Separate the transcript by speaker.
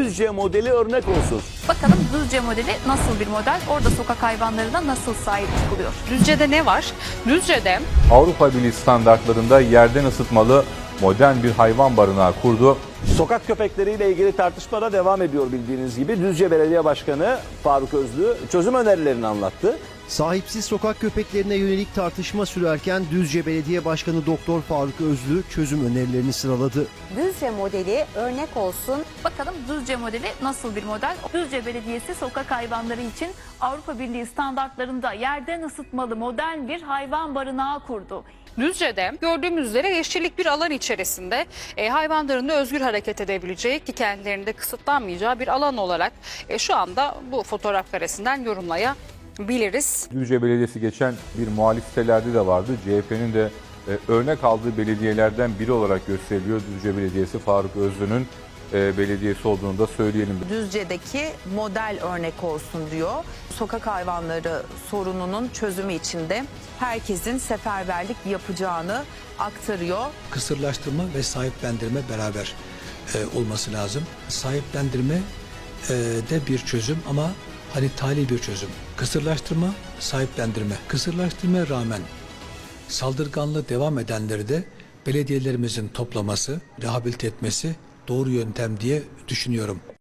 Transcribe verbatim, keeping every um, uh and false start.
Speaker 1: Düzce modeli örnek olsun.
Speaker 2: Bakalım Düzce modeli nasıl bir model? Orada sokak hayvanlarına nasıl sahip çıkılıyor?
Speaker 3: Düzce'de ne var? Düzce'de
Speaker 4: Avrupa Birliği standartlarında yerden ısıtmalı modern bir hayvan barınağı kurdu.
Speaker 1: Sokak köpekleriyle ilgili tartışma da devam ediyor bildiğiniz gibi. Düzce Belediye Başkanı Faruk Özlü çözüm önerilerini anlattı.
Speaker 5: Sahipsiz sokak köpeklerine yönelik tartışma sürerken Düzce Belediye Başkanı Doktor Faruk Özlü çözüm önerilerini sıraladı.
Speaker 6: Düzce modeli örnek olsun.
Speaker 2: Bakalım Düzce modeli nasıl bir model? Düzce Belediyesi sokak hayvanları için Avrupa Birliği standartlarında yerden ısıtmalı modern bir hayvan barınağı kurdu.
Speaker 3: Düzce'de gördüğümüz üzere yeşillik bir alan içerisinde e, hayvanların da özgür hareket edebileceği ki kendilerinde kısıtlanmayacağı bir alan olarak e, şu anda bu fotoğraf karesinden yorumlayabiliriz.
Speaker 4: Düzce Belediyesi geçen bir muhalif sitelerde de vardı. C H P'nin de e, örnek aldığı belediyelerden biri olarak gösteriliyor. Düzce Belediyesi Faruk Özlü'nün e, belediyesi olduğunu da söyleyelim.
Speaker 7: Düzce'deki model örnek olsun diyor. Sokak hayvanları sorununun çözümü için de herkesin seferberlik yapacağını aktarıyor.
Speaker 8: Kısırlaştırma ve sahiplendirme beraber e, olması lazım. Sahiplendirme e, de bir çözüm ama hani tali bir çözüm. Kısırlaştırma, sahiplendirme. Kısırlaştırmaya rağmen saldırganlığı devam edenleri de belediyelerimizin toplaması, rehabilite etmesi doğru yöntem diye düşünüyorum.